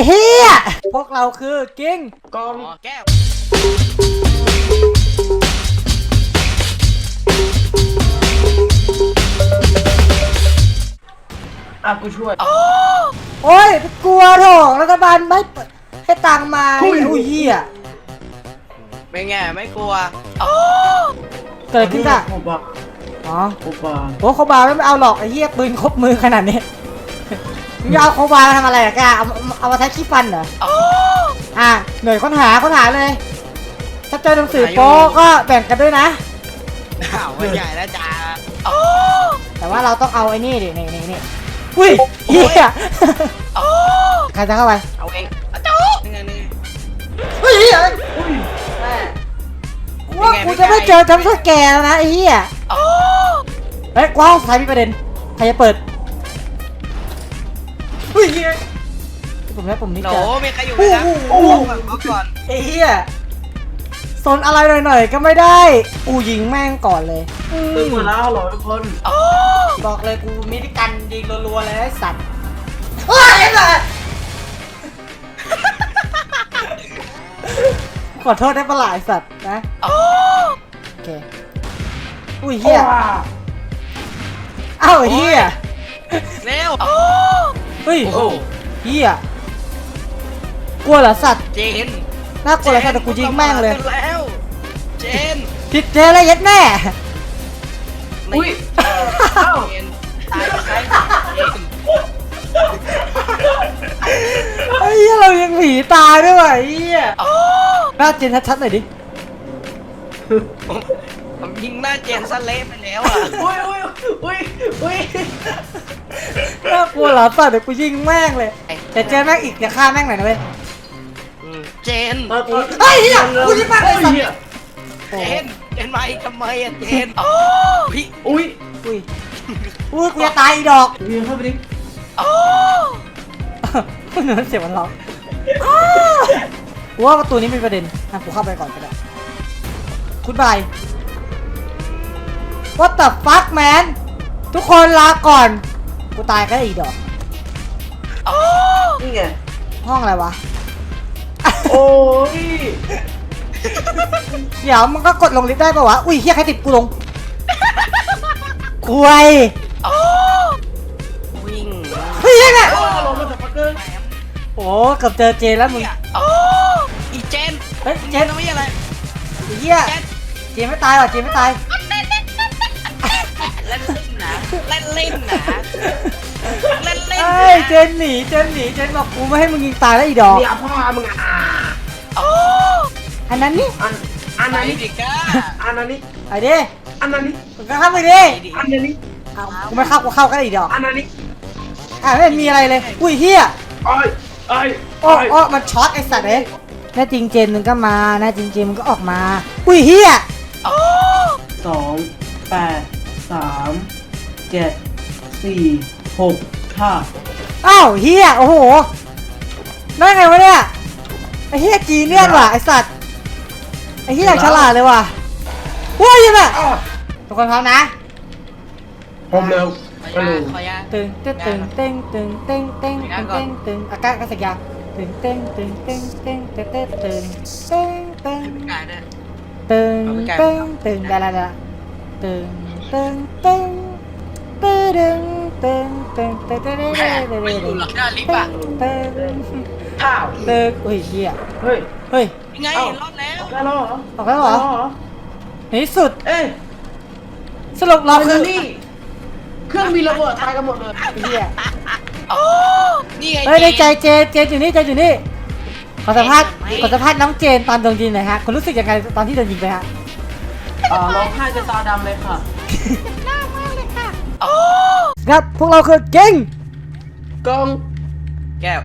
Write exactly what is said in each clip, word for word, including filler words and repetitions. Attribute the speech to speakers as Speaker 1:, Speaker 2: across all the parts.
Speaker 1: เฮียพวกเราคือกิ้ง
Speaker 2: กอง
Speaker 3: แก้ว
Speaker 2: อ่ะกูช่วย
Speaker 1: โอ้ยกลัวโถรัฐบาลไม่ให้ตังมาอุ้ยเฮีย
Speaker 3: เป็นไงไม่กลัว
Speaker 1: เกิดขึ้นอะ
Speaker 2: ผมบอก
Speaker 1: อ๋อ
Speaker 2: โอบา
Speaker 1: โอ้โคบาไม่เอาหรอกไอ้เหี้ยปืนครบมือขนาดนี้มึงจะเอาโคบามาทำอะไรอะแกเอาเอามาใช้ขี้ฟันเหรออ่ะหน่วยค้นหาค้นหาเลยถ้าเจอหนังสือโป๊ก็แบ่งกันด้วยนะ
Speaker 3: ข่าวใหญ่แล้วจ้า
Speaker 1: แต่ว่าเราต้องเอาไอ้นี่ดินี่นี่นี่อุ้ยเหี้ยใครจะเข้าไป
Speaker 3: เอาเองจ๊กนี่ไงนี่
Speaker 1: เฮ้ยว่ากูจะไม่เจอจำสแกนแล้วนะไอ้เหี้ยเฮ้ยกว้างใครมีประเด็นใครจะเปิดเฮ้ยผมแล้วผมนี่จะ
Speaker 3: โหมีใครอยู่ไหมนะโอ้ก่อน
Speaker 1: ไอ้เหี้ยโซนอะไรหน่อยๆก็ไม่ได้กูยิงแม่งก่อนเลย
Speaker 2: ตื่นมาแล้วเหรอทุกคน
Speaker 1: บอกเลยกูมิติกันยิงรัวๆเลยไอ้สัตว์เฮ้ยไอ้สัตว์ขอโทษได้ปะหลายสัตว์นะโอเคอุ้ยเฮียเอ้าเฮีย
Speaker 3: เร็ว
Speaker 1: เฮ้ยเฮียกลัวเหรอสัตว์
Speaker 3: เจน
Speaker 1: น่ากลัวเหรอสัตว์แต่กูยิงแม่งเลย
Speaker 3: แล้วเจน
Speaker 1: ผิดเจนเลยยัดแน่
Speaker 3: อุ้ยเอ้าเจนตายไปเจน
Speaker 1: ไอ้เหี้ยเรายังผีตายด้วยไอ้เหี้ยหน้าเจนชัดๆหน่อยดิ
Speaker 3: ผมยิงหน้าเจนซะเละไปแล้วอ่ะ
Speaker 2: อุ้ยอุ้ยอุ้ยอุ้ย
Speaker 1: น่ากลัวเหรอสัตว์เดี๋ยวกูยิงแม่งเลยแต่เจนแม่งอีกอย่าฆ่าแม่งหน่อยนะเว้ย
Speaker 3: เจน
Speaker 1: ไอ้เหี้ยกูยิงแม่งเลยสัตว์
Speaker 3: เจนเจนมาอีกทำไมอ่ะเจน
Speaker 2: พี่อุ้ย
Speaker 1: อุ้ยอุ้ยกูจะตายอีดอก
Speaker 2: ยิงเข้าไปดิ
Speaker 1: คุณเหนือเสียงมันร้องว่าประตูนี้เป็นประเด็นอ่ะกูเข้าไปก่อนก็ได้คุณบาย What the fuck man ทุกคนลาก่อนกูตายก็ได้อีดอก
Speaker 2: นี่ไง
Speaker 1: ห้องอะไรวะ
Speaker 2: โอ้ย
Speaker 1: เดี๋ยวมันก็กดลงลิฟต์ได้ป่าวะอุ้ยเฮียใครติดกูลงคุย
Speaker 3: วิ่ง
Speaker 1: เฮ้ยยังไง
Speaker 2: ลงมาจากปักเกอร์
Speaker 1: โอ้เกือบเจอเจนแล้วมึง
Speaker 3: อีเจน
Speaker 1: เฮ้ยเจน
Speaker 3: ไม่อะไร
Speaker 1: เฮียเจนไม่ตายหรอเจนไม่ตาย
Speaker 3: เล่นเล่นนะเล่นเล่นนะเล่นเล่น
Speaker 1: เฮ้ยเจนหนีเจนหนีเจนบอกกูไม่ให้มึงยิงตายแล้วอีดอก
Speaker 2: เดี๋ยวพ่อมึงอ่ะ
Speaker 1: อันนั้นนี่
Speaker 2: อันอันนั้นนี่อันนั้นนี่
Speaker 1: ไอ้ดิ
Speaker 2: อันนั้นนี่
Speaker 1: มึงก็เข้าไปดิ
Speaker 2: อันนั้นนี่
Speaker 1: กูไม่เข้ากูเข้าก็ได้อีดอก
Speaker 2: อันนั้นนี่
Speaker 1: อ่ะไม่มีอะไรเลยอุ้ยเฮีย
Speaker 2: ไอ้ไอ้
Speaker 1: โอ้โอ้มันช็อตไอ้สัตว์เอ้ยแน่จริงเจนมึงก็มาแน่จริงเจนมึงก็ออกมาอุ้ยเฮีย
Speaker 2: สองแปดสามเจ็ดสี่หกห้า
Speaker 1: อ้าวเฮียโอ้โหได้ไงวะเนี่ยไอ้เฮียจีเนียนว่ะไอ้สัตว์ไอ้เฮียฉลาดเลยว่ะว้ายยังไงทุกคนพร้อมนะ
Speaker 2: พร้อมเร็ว
Speaker 1: ตึงตึงตึงตึงตึงตึงตึงตึงตึงอากาศก็สักยาตึงตึงตึงตึงตึงตึงตึงตึงตึงตึงตึงตึงตึงได้แล้วได้ตึงตึงตึงตึงตึงตึงตึงตึงตึงตึงตึงตึง
Speaker 2: ข้าว
Speaker 1: ตึงอุ้ยเฮีย
Speaker 2: เฮ้ย
Speaker 1: เฮ้ย
Speaker 3: ยังไงรอดแล้ว
Speaker 2: ได้แล้วเหรอ
Speaker 1: ออกแล้วเหรอในที่สุด
Speaker 2: เอ้
Speaker 1: สรุปเราคือ
Speaker 2: นี่เครื่องมีระเบิดตายกันหมดเลย
Speaker 1: เฮีย
Speaker 3: โอ้นี่ไง
Speaker 1: เฮ้ยในใจเจนเจนอยู่นี่เจนอยู่นี่ขอสัมภาษณ์ขอสัมภาษณ์น้องเจนตอนโดนยิงหน่อยฮะคุณรู้สึกยังไงตอนที่โดนยิงไปฮะ
Speaker 2: อ่าร้องไห้จะตาดำเลยค่ะ
Speaker 3: หน้ามากเลยค่ะโอ้
Speaker 1: ครับพวกเราคือเก่ง
Speaker 2: กอง
Speaker 3: แก้ว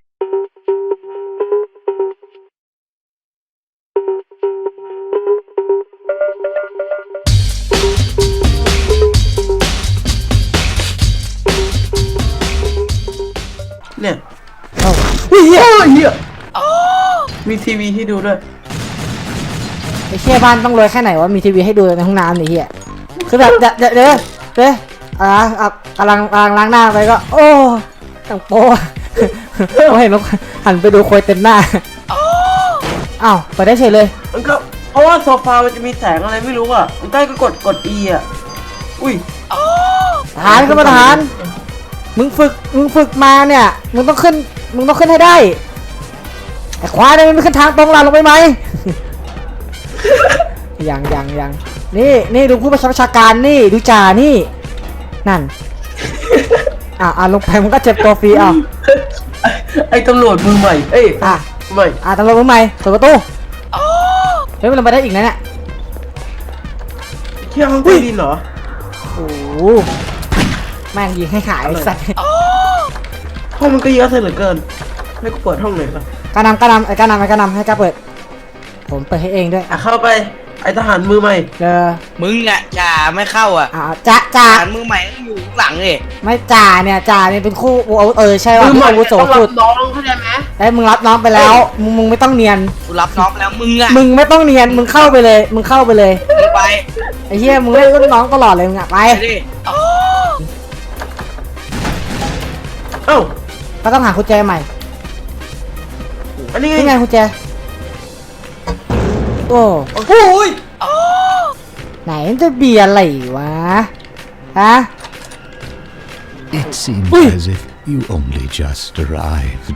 Speaker 2: เนี่ย
Speaker 1: เอ้าเฮีย
Speaker 2: เฮียมีทีวีให้ดูด้วย
Speaker 1: ไอ้เชี่ยบ้านต้องรวยแค่ไหนวะมีทีวีให้ดูในห้องน้ำนี่เฮียคือแบบเดี๋ยวเดี๋ยวเดี๋ยวเดี๋ยวอ่ะกำลังกำลังล้างหน้าไปก็โอ้ต่างโป้ผมเห็นมันหันไปดูโคยเต็มหน้าอ้าวเปิดได้เฉยเลย
Speaker 2: มันก็เพราะว่าโซฟามันจะมีแสงอะไรไม่รู้อ่ะมันใต้ก็กดกด E อ่ะอุ้ย
Speaker 1: ทหารขึ้นมาทหารมึงฝึกมึงฝึกมาเนี่ยมึงต้องขึ้นมึงต้องขึ้นให้ได้ไอ้ควายเนี่ยมันขึ้นทางตรงลาลงไปไหม ยังยังยังนี่นี่ดูผู้ประชาการนี่ดูจ่านี่นั่นอ่ะอ่ะลงไปมันก็เจ็บตัวฟรีอ่ะ
Speaker 2: ไอ้ตำรวจมือใหม่เอ้ย
Speaker 1: อ่ะ
Speaker 2: ใหม่
Speaker 1: อ่ะตำรวจมือใหม่เปิดประตูเฮ้ยมันลงไปได้อีกนะเนี่ย
Speaker 2: เที่ยวห้องใต้ดินเหรอ
Speaker 1: โอ้โหแม่งยิงให้หายไอ้สัตว์
Speaker 2: ห้องมันก็เยอะเสียเหลือเกินให้กูเปิดห้องหน่อยป่ะ
Speaker 1: กานำกานำไอ้กานำไอ้กานำให้กาเปิดผมเปิดให้เองด้วย
Speaker 2: อ่ะเข้าไปไอ้ทหารมือใหม่
Speaker 1: เจอ
Speaker 3: มึงอ่ะจ่าไม่เข้าอ่ะ
Speaker 1: อ่าจ่าจ่า
Speaker 3: ฐานมือใหม่ต้องอยู่หลังเลย
Speaker 1: ไม่จ่าเนี่ยจ่าเนี่ยเป็นคู่โอ้เออใช่ว่า
Speaker 2: มือใหม่
Speaker 1: อาวุโส
Speaker 2: ต้องรั
Speaker 1: สุ
Speaker 2: บ
Speaker 1: ด
Speaker 2: น้องเข้าใจไหม
Speaker 1: ไอ้มึงรับน้องไปแล้วมึงมึงไม่ต้องเนียน
Speaker 3: กูรับน้องไปแล้วมึงอ่ะ
Speaker 1: มึงไม่ต้องเนียนมึงเข้าไปเลยมึงเข้าไปเลย
Speaker 3: มึงไป
Speaker 1: ไอ้เหี้ยมึงเล่นรุ่นน้องตลอดเลยมึงอะไป
Speaker 3: ไปดิโอ้
Speaker 2: เอ้า
Speaker 1: ก็ต้องหากุญแจใหม่
Speaker 2: อันนี้ไง
Speaker 1: นี่ไงกุญแจโอ้
Speaker 2: โอ้ย
Speaker 1: ไหนมันจะเบียร์อะไรวะฮะ
Speaker 4: It seems
Speaker 1: Ui.
Speaker 4: as if you only just arrived.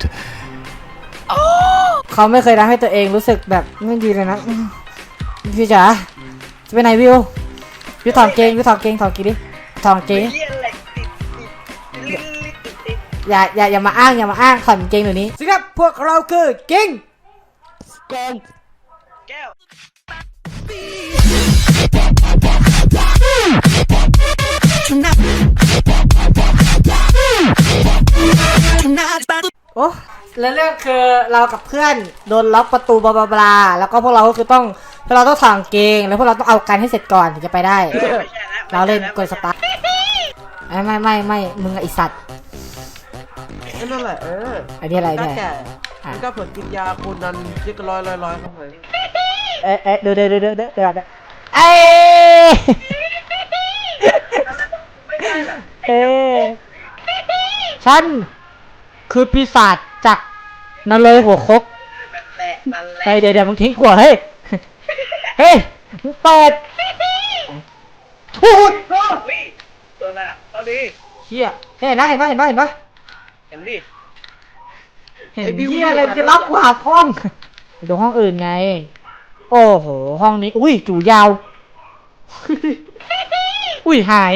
Speaker 1: เขาไม่เคยทำให้ตัวเองรู้สึกแบบไม่ดีเลยนะอืมวิวจ๋าจะไปไหนวิววิวถอดเกงวิวถอดเกงถอดกี่ดิถอดเกง
Speaker 3: เหี้ยอะไรติดติดติดติดติด
Speaker 1: อย่าอย่าอย่ามาอ้างอย่ามาอ้างถอดเกงเดี๋ยวนี้สิครับพวกเราคือเกง
Speaker 3: โกงแก้ว
Speaker 1: โอ้แล้วเรื่องคือเรากับเพื่อนโดนล็อกประตูบลาบลาบลาแล้วก็พวกเราก็คือต้องพวกเราต้องถอดเกงแล้วพวกเราต้องเอากันให้เสร็จก่อนถึงจะไปได้
Speaker 3: ไม่ใช่แล้ว
Speaker 1: เราเล่นกดสตาร์ทไม่ไม่ไม่ไม่มึงอะไอสัตว์
Speaker 2: นั่นแหละเออ
Speaker 1: อันนี้อะไร
Speaker 2: ก็
Speaker 1: เนี่ย
Speaker 2: แก่มันก็เผื่อกินยาคูนันยึดกระร้อยร้อยร้อยเข้าไป
Speaker 1: เอ๊ะเอ๊ะเดี๋ยวเดี๋ยวเดี๋ยวเดี๋ยวเดี๋ยวเดี๋ยวเอ้ยเอ๊ะฉันคือปีศาจจากนรกหัวคก
Speaker 3: แหละนั่นแหละ
Speaker 1: เฮ้ยเดี๋ยวเดี๋ยวมึงทิ้งขวดเฮ้ยเฮ้ยมึงเปิดพูด
Speaker 3: วิ่งตัวน่ะเอาดิ
Speaker 1: เฮียเห็นนะเห็นปะเห็นปะเห็นปะ
Speaker 3: เห็นดิ
Speaker 1: เห็นเฮียอะไรจะรับกว่าห้องดูห้องอื่นไงโอ้โหห้องนี้อุ้ยจู่ยาว อุ้ยหาย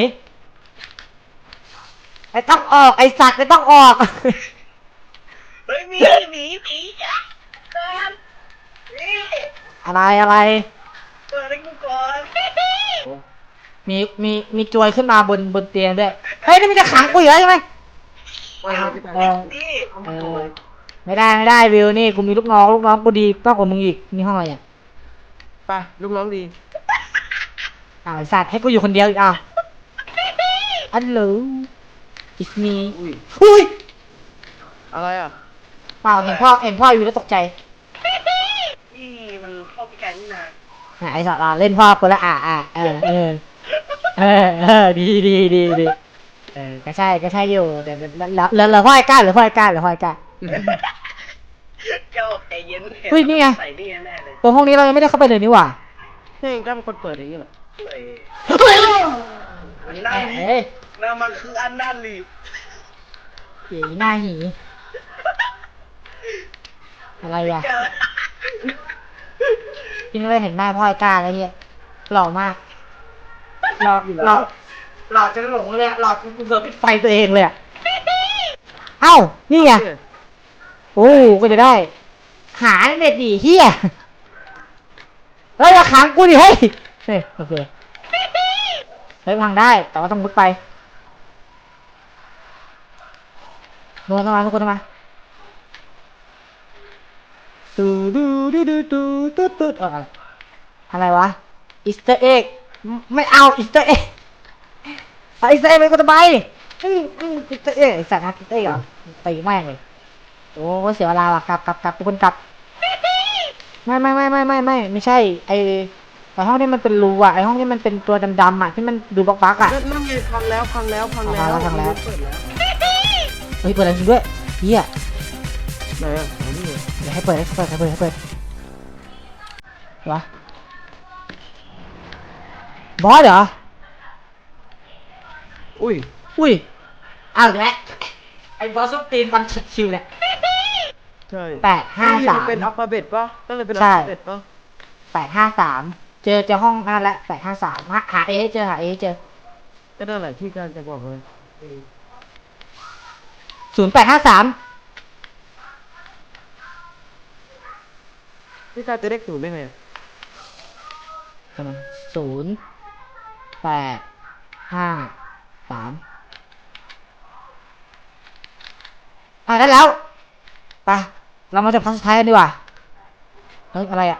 Speaker 1: ไอ้ต้องออกไอ้สัตว์ไอ้ต้องออก
Speaker 3: เฮ้ยมีหมีหมีจ้ะตามนี่
Speaker 1: อะไรอะไร
Speaker 3: เปิดให้กูก่อน
Speaker 1: มีมีมีจวยขึ้นมาบนบนเตียงด้วยเฮ้ยนี่มันจะขังกูอยู่แล้วใช่ไหมเออ
Speaker 3: นี่
Speaker 1: เออไม่ได้ไม่ได้วิวนี่กูมีลูกน้องลูกน้องกูดีมากกว่ามึงอีกนี่ห้องอะไรเนี่ย
Speaker 2: ไปลูกน้องดี
Speaker 1: อ้าวไอ้สัตว์ให้กูอยู่คนเดียวอีกอ้าวอันเหลอ it's me
Speaker 2: อุ้ย
Speaker 1: อุ้ย
Speaker 2: อะไรอ่ะ
Speaker 1: เปล่าเห็นพ่อเห็นพ่ออยู่แล้วตกใจ
Speaker 3: นี่มันเข้าไปกันนี่นะ
Speaker 1: อ่ะไอ้สัตว์อ่ะเล่นพ่อคนละอ่ะอ่ะเออเออเออเออดีดีดีดีเออก็ใช่ก็ใช่อยู่แต่แล้วแล้วแล้วพ่อไอ้ก้าหรือพ่อไอ้ก้าหรือพ่อไอ้ก้า
Speaker 3: เจ้าใจเย็น
Speaker 1: เฮ้ยนี่ไง
Speaker 3: ใส่นี่แน่เลย
Speaker 1: ตัวห้องนี้เรายังไม่ได้เข้าไปเลยนี่หว่า
Speaker 2: นี่เองก็เป็นคนเปิดอย่างนี้เหรอ
Speaker 3: เฮ้ยมันนั่น
Speaker 1: เฮ้ย
Speaker 3: นั่นมันคืออันนั่นลีบ
Speaker 1: หีหน้าหีอะไรวะ
Speaker 3: เจอ
Speaker 1: พี่ไม่ได้เห็นหน้าพ่อไอ้ก้าแล้วเฮียหล่อมากหล่อหล่อหล่อจนหลงเลยอะหล่อจนกูเกือบปิดไฟตัวเองเลยอะเอ้านี่ไงโอ้ก็จะได้ หาเน็ตดีเฮียเฮ้ยอย่าขังกูดิเฮ้ยเฮ้ยโอเคเฮ้ยพังได้แต่ว่าต้องมุดไปนอนต้องมาทุกคนต้องมาตูดูดูดูดูตูตูเอออะไรวะอีสเตอร์เอ็กไม่เอาอีสเตอร์เอ็กเอาอีสเตอร์เอ็กไปกูจะไปอีสเตอร์เอ็กไอสัตว์ฮักอีสเตอร์เอ็กเหรอตีแม่งเลยโอ้เสียเวลาว่ะกลับกลับกลับทุกคนกลับไม่ไม่ไม่ไม่ไม่ไม่ไม่ใช่ไอไอห้องที่มันเป็นรูอ่ะไอห้องที่มันเป็นตัวดำๆอ่ะที่มันดูบล็อกๆอ่ะ
Speaker 2: นั่นไงพังแล้วพังแล้วพังแล้ว
Speaker 1: พังแล้วพังแล้ว
Speaker 2: เปิดแล้ว
Speaker 1: เฮ้ยเปิดอะไรจริงด้วยเฮีย
Speaker 2: ไหนอ่ะไหนนี่ไง
Speaker 1: เดี๋ยวให้เปิดให้เปิดให้เปิดให้เปิดวะบอสเหรอ
Speaker 2: อุ้ย
Speaker 1: อุ้ยเอาอีกแล้วไอ้บอสซุปตีนมันชิวๆแหละ
Speaker 2: ใช่
Speaker 1: แปดห้าสาม
Speaker 2: เป็นอัลฟาเบตป่ะตั้งแต่เป็นอัล
Speaker 1: ใช่
Speaker 2: ฟาเบตป่ะ
Speaker 1: แปดห้าสามเจอเจอห้องนั่นแหละแปดห้าสามหาเอให้เจอหาเอให้เจอ
Speaker 2: ก็นั่นแหละที่การจะบอกเลย
Speaker 1: ศูนย์แปดห้าสาม
Speaker 2: ที่การจะเรียกศูนย์ได้ไงอะ
Speaker 1: ศูนย์แปดห้าสามอ่าได้แล้วไปเรามาจับครั้งสุดท้ายกันดีกว่าเฮ้ยอะไรอ่ะ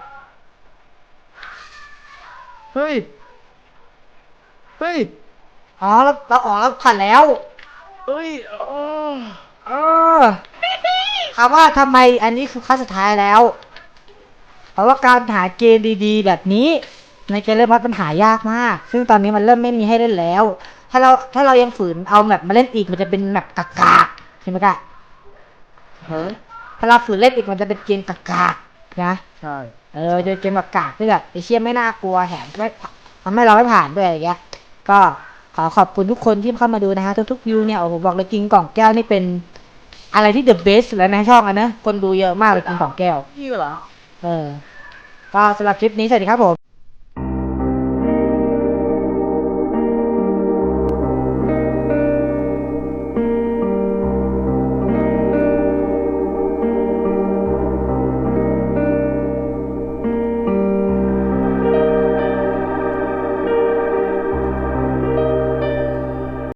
Speaker 2: เฮ้ยเฮ้ย
Speaker 1: อ๋อเราเราออกแล้วผ่านแล้ว
Speaker 2: เฮ้ยอ๋อ
Speaker 1: เออถามว่าทำไมอันนี้คือครั้งสุดท้ายแล้ว เพราะว่าการหาเกมดีๆ แบบนี้ ในเกมเริ่มมัดมันหายากมาก ซึ่งตอนนี้มันเริ่มไม่มีให้เล่นแล้ว ถ้าเราถ้าเรายังฝืนเอาแบบมาเล่นอีกมันจะเป็นแบบกากๆใช่ไหมกะ
Speaker 2: ฮะ
Speaker 1: ถ้าเราฝืนเล่นอีกมันจะเป็นเกมกากๆนะ
Speaker 2: ใช่
Speaker 1: เออจะเป็นเกมกากๆที่แบบไอเชี่ยไม่น่ากลัวแถมไม่ทำให้เราไม่ผ่านด้วยอย่างเงี้ย ก็ขอขอบคุณทุกคนที่เข้ามาดูนะฮะทุกๆวิวเนี่ยโอ้โหบอกเลยกินกล่องแก้วนี่เป็นอะไรที่เดอะเบสแล้วในช่องอ่ะนะคนดูเยอะมากเลยกินกล่องแก้ว
Speaker 2: พี่เหรอ
Speaker 1: เออ ก็สำหรับคลิปนี้สวัสดีครับผม